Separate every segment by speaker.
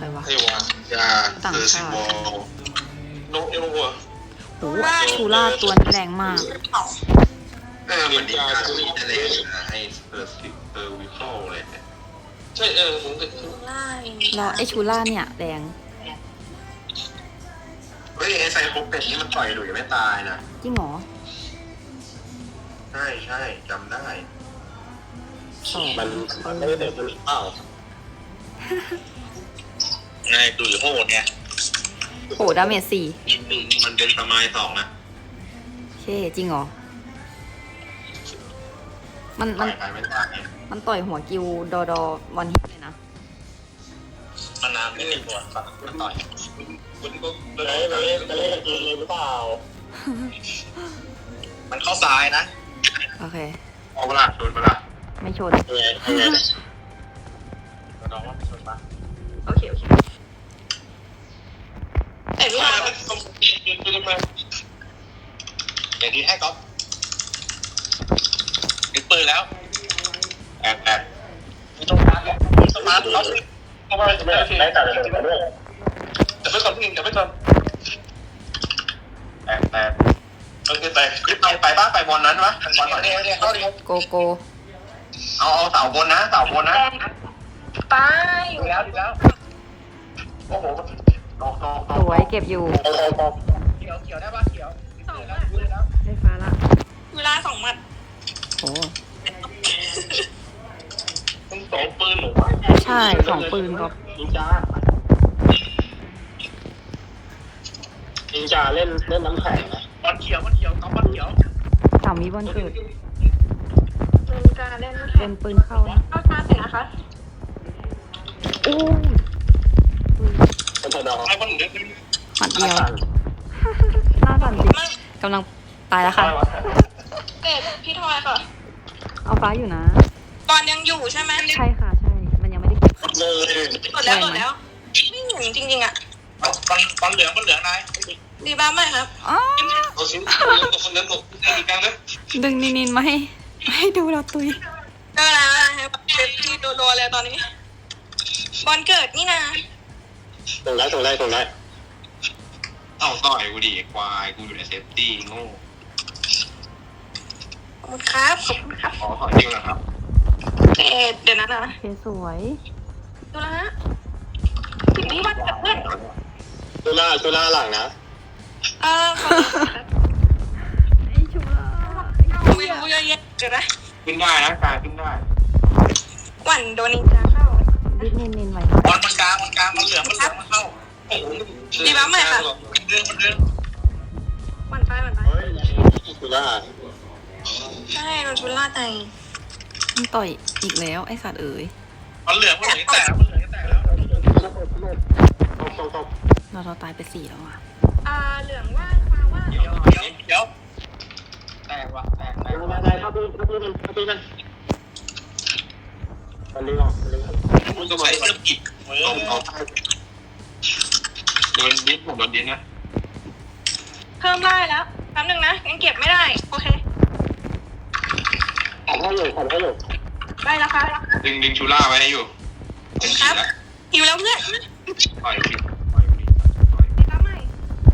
Speaker 1: รวะ
Speaker 2: ไอ้วะยาเซอร์ซิโวโนเอลวะ
Speaker 1: โอ้ชูล่าตัวนี้แรงมาก
Speaker 2: มันดีการที่จะได้ให้เซอร์ซิเซอร์วิคอลเลยใช่ผมก็
Speaker 1: แล้วไอชูล่าเนี่ยแรง
Speaker 2: เฮ้ยไอ้ไซโคเป็ดนี่มันต่อยหลุยไม่ตายนะ
Speaker 1: จริงเหรอ
Speaker 2: ใช่จำได้
Speaker 1: สอง
Speaker 2: มันไม่ได้เด็กมันเปล่าไงดูอยู่โหดไง
Speaker 1: โหดาเมจสี่
Speaker 2: มันเป็นสมัย2นะ
Speaker 1: โอเคจริงเหรอ มัน
Speaker 2: ต่อยไปไม่ตาย
Speaker 1: มันต่อยหัวกิวดอวันฮิตเลยนะ
Speaker 2: มันน้ำไม่มีหัวสัตว์มันต่อยคุณก็เล่นกินเลยหรือเปล่ามันเข้าซ้ายนะ
Speaker 1: โอเค
Speaker 2: เอาเวลาชนเวลา
Speaker 1: ไม่ชน
Speaker 2: น้องว่าชนปะ
Speaker 1: โอเคโอเค
Speaker 2: แต่ไม่มาอย่าดีให้ก๊อฟติดปืนแล้วแอบสมาร์ทเขาเข้าไปไม่ตัดเลยด้วยแต่ไม่ก่อนแต่ไม่ก่อนแอบแต่คลิปไปบ้านไปบอลนั้นวะบอลเนี่ยเข้าดิ
Speaker 1: โกโก
Speaker 2: เอาเสาบนนะเสาบนนะ
Speaker 3: ไป
Speaker 2: ดีแล้วโอ้โหตก
Speaker 1: สวยเก็บอยู่
Speaker 2: เขียวได้ปะเขียว
Speaker 3: สอง
Speaker 2: แล้ว
Speaker 1: ได้ฟ้าละ
Speaker 3: เวลา2 หมัด
Speaker 1: โอ้
Speaker 2: ต้องสองปืนหรือ
Speaker 1: ใช่สองปืนก็
Speaker 2: นินจาเล่นน้ำแข็งนะบอลเขียวต้องบอลเขียว
Speaker 1: สามวิบอลเกิด
Speaker 3: เป็นการเล่นแข่
Speaker 1: เป็
Speaker 3: ง
Speaker 1: นปืนเข้านะ
Speaker 3: เข้าชาร์จเสร็จนะคะ
Speaker 1: อู้
Speaker 2: เป็นดอกไอ้บอลเล่น
Speaker 1: หมัดเดียวหน้าสั่นจริงกำลังตายแล้วค่ะ
Speaker 3: เอ็ดพี่ทอยค่ะ
Speaker 1: เอาฟ้าอยู่นะ
Speaker 3: บอลยังอยู่ใช่ไหม
Speaker 1: ใช่ค่ะใช่ มันยังไม่ได้เก็บ
Speaker 2: เลย
Speaker 3: กดแล้วไม่เห็นจริงๆอ่ะ
Speaker 2: บอลเหลืองนาย
Speaker 3: ดีบ้าไหมครับ
Speaker 1: อ๋อ
Speaker 2: เอาชิ้นคนนั้นตกอีกครั้งนะ
Speaker 1: ดึงนินมาให้ดูเราตุย
Speaker 3: ก็แล้วนะครับเซฟที่โดนเลยตอนนี้ บอลเกิดนี่นะ
Speaker 2: ตรงได้เอาต่อยกูดิควายกูอยู่ในเซฟตี้โง่
Speaker 3: ขอบคุณครับ
Speaker 2: ขอจริงนะครับ
Speaker 3: เอ็ดเดี๋ยวนะ
Speaker 1: โอเคสวย
Speaker 3: ดูแล้วฮะพี่วัดกับเพื่อน
Speaker 2: ชูล่าหลังนะ
Speaker 3: ขอบคุณครับ
Speaker 1: ไอชัว
Speaker 3: ไม่รู้เยอะแยะเดี๋ยวนะ
Speaker 2: ขึ้นได้นะกลางขึ้นได้
Speaker 3: หวั่นโดนนินจาเข้า
Speaker 1: ดิสนินไว้
Speaker 2: บอลมันกลางมันเหลืองมันเข้าเรื่อง
Speaker 3: หวั่นไป
Speaker 2: เฮ้ยชูล่า
Speaker 3: ใช่โดนชุนล่าใจ
Speaker 1: มันต่อยอีกแล้วไอสัตว์เอ๋ย
Speaker 2: มันเหลืองแตกแล้ว
Speaker 1: เราตายไป4แล้วอ่ะ
Speaker 3: เหลืองว่างฟ้าว่าง
Speaker 2: เดี๋ยวแตกว่ะแตกได้เข้าปืนมันมันดึงออกมันต้องใช้เสื้อปิดโดนดิสผมโดนดิสนะ
Speaker 3: เพิ่มได้แล้วแป๊บนึงนะยังเก็บไม่ได้โอเค
Speaker 2: ขอให้อยู่
Speaker 3: ได้แล้วค่ะ
Speaker 2: ดึงชูล่าไว้ให้อยู่เป็นขีดแล้ว
Speaker 3: หิวแล้วเพื่อน
Speaker 2: ปล่อยผิด
Speaker 3: ดีบ้าใหม่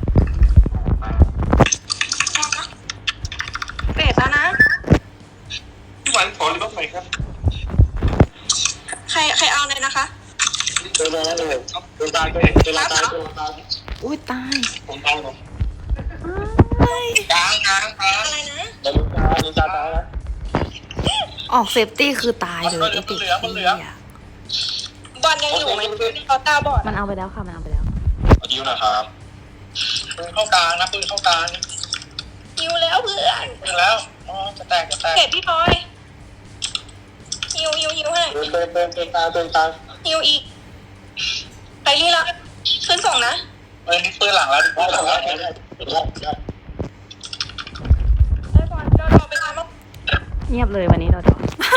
Speaker 3: เปดแล้วนะ
Speaker 2: พี่วันขอหรือบ้างไหมครับ
Speaker 3: ใครเอาเลยนะคะ
Speaker 2: เดินตาย
Speaker 1: อุ้ยตาย
Speaker 2: ผมตายหรอก
Speaker 1: เฮ้ย
Speaker 2: กลาง
Speaker 3: อะไรนะ
Speaker 2: เดินตายนะ
Speaker 1: ออกเซฟตี้คือตายเลยไอติด
Speaker 2: มันเหลือ
Speaker 3: บอลยังอยู่ไหมเขาตาบอด
Speaker 1: มันเอาไปแล้วค่ะมันเอาไปแล้ว
Speaker 2: ยิ้วนะครับปืนเข้ากลางนะปืนเข้ากลาง
Speaker 3: หิวแล้วเพื่อน
Speaker 2: ยิงแล้วอ๋อจะแตก
Speaker 3: เปดพี่พลอยหิวให้
Speaker 2: เดินตา
Speaker 3: หิวอีกไปรีละขึ้นส่งนะ
Speaker 2: ปืนหลังแล้ว
Speaker 3: ได้บอลเราไปทำมา
Speaker 1: เงียบเลยวันนี้เรา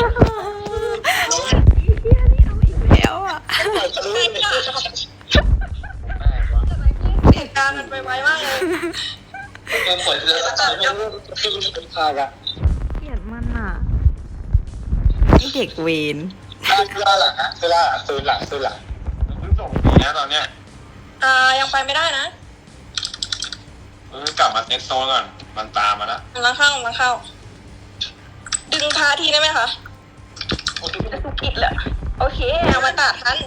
Speaker 1: แล้วอ่ะ
Speaker 3: เหตุการณ์มันไปไวมากเลย
Speaker 2: ปืนฝนเลยปืนพากอะ
Speaker 1: เกลียดมันอ่ะไอเด็กเวน
Speaker 2: เวลาหลังนะเวลาปืนหลังปืนส่งนะตอนเนี้ย
Speaker 3: ยังไปไม่ได้นะ
Speaker 2: กลับมาเซ็ตโซนก่อนมันตามมาแล้ว
Speaker 3: กำลังเข้า ดึงพาทีได้ไหมคะจะสุกิดแหละโอเคเอามาตัดทัน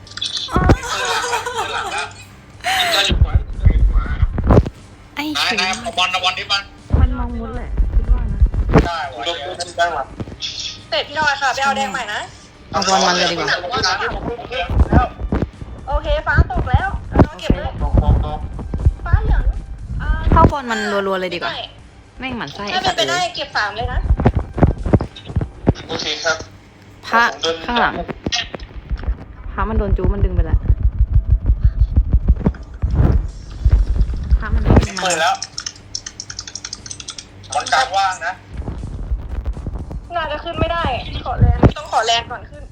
Speaker 2: หลังแล้วจะอยู่ขวาอยู่ขวา
Speaker 1: ไอ้
Speaker 2: นาย
Speaker 1: ชู
Speaker 2: นายเอาบอลที่บ้าน
Speaker 1: มันมองมุดแหละคิดว่านะ
Speaker 2: ได้วะได้วะ
Speaker 3: เสร็จพี่น้อยค่ะไปเอาแดงใหม่นะ
Speaker 1: เอาบอลมันเลยดีกว่า
Speaker 3: โอเคฟ้าตกแล้วน้องเก็บเลยฟ้าเหลือง
Speaker 1: เข้าบอลมันรัวๆเลยดีกว่าแม่งหมันไส้
Speaker 3: ถ้า
Speaker 1: ไอ้
Speaker 3: เป็
Speaker 1: สั
Speaker 3: น
Speaker 1: ตว์
Speaker 3: ไป
Speaker 1: เล
Speaker 3: ได้
Speaker 1: ย
Speaker 3: เก็บ3เลยนะ
Speaker 2: โอเคครับ
Speaker 1: พระข้างหลังพระมันโดนจูมันดึงไปแล้วพระมันดึง
Speaker 2: เปิดแล้วบอลกลางว่างนะ
Speaker 3: น่าจะขึ้นไม่ได้ขอแรงต้องขอแรงก่อนขึ้น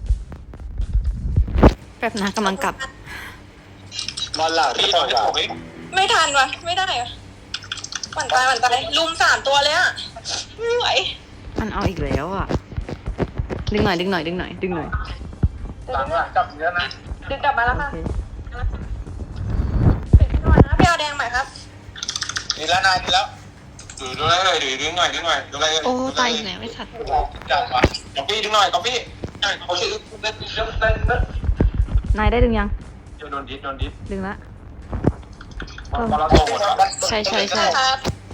Speaker 1: แป๊บนะกำลังกลับ
Speaker 2: บอลหลังที่ต่อยหลัง
Speaker 3: ไม่ทันวะไม่ได้อะหวั่นตายลุม3ตัวเลยอะไม่ไหว
Speaker 1: มันเอาอีกแล้วอ่ะ ดึงหน่อย
Speaker 2: หลังจับเยอะนะ
Speaker 3: ดึงกลับมาแล้ว
Speaker 1: โอ
Speaker 3: ค่ะ
Speaker 1: เค
Speaker 3: เป็นพี่น้อยนะไปเอาแดงใหม่ครับ
Speaker 2: ดีแล้วนายดีแล้วดูได้เลยดึงหน่อยดูอะไร
Speaker 1: โอ้ตายอีกแล้วไอ้สัตว์
Speaker 2: จับวะก๊อปปี้ดึงหน่อยก๊อปปี้เขาชื่อเล่น
Speaker 1: นายได้ดึงยัง
Speaker 2: โดนดิส
Speaker 1: ดึงละ
Speaker 2: บอลเราโตหมดแล้ว
Speaker 1: ใช่
Speaker 3: ครับ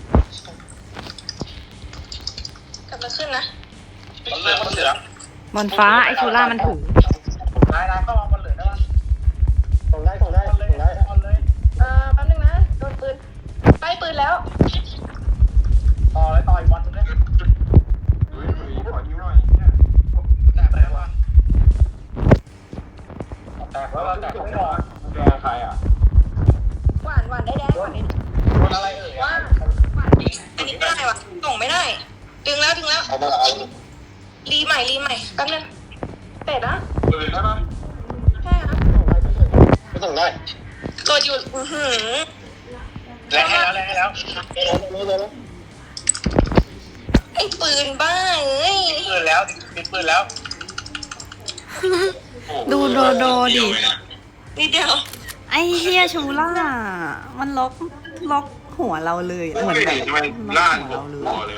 Speaker 3: กลับมาขึ้นนะ
Speaker 2: บอลเลือกบอลเหลือง
Speaker 1: บอลฟ้าไอ้ชูล่ามันถือน
Speaker 2: ายเข้ามาบอลเหลืองได้ปะส่งได้
Speaker 3: แป๊บนึงนะโดนปืนใกล้ปืนแล้ว
Speaker 2: ต่ออีกบอลนึงได้ขอยิ้วหน่อยแตกไปแล้ววะแตกแล้วไม่ออกแดงใครอ่ะ
Speaker 3: หวานได้แดงหวานได้
Speaker 2: โดนอะไร
Speaker 3: ว่าหวานอันนี้ไม่ได้วะส่งไม่ได้ ดึงแล้ว
Speaker 2: เอามาเอา
Speaker 3: รีใหม่แป๊บนึงเตะนะ
Speaker 2: ปืนได้ปะ
Speaker 3: ใช่ครับ
Speaker 2: ไม่ส่งได้
Speaker 3: กดอยู่
Speaker 2: แรงให้แล้ว
Speaker 3: ไอ้ปืนบ้าเอ้ย
Speaker 2: ปืนแล้วติดปืนแล้ว
Speaker 1: ดูโดดิ
Speaker 3: นิดเดียว
Speaker 1: ไอ้เฮียชูล่า มันล็อกหัวเราเลยอะเหมือนแบบ
Speaker 2: ทำไม
Speaker 1: ล็
Speaker 2: ล่า
Speaker 1: อก
Speaker 2: น
Speaker 1: หัวเราเลย
Speaker 2: เลย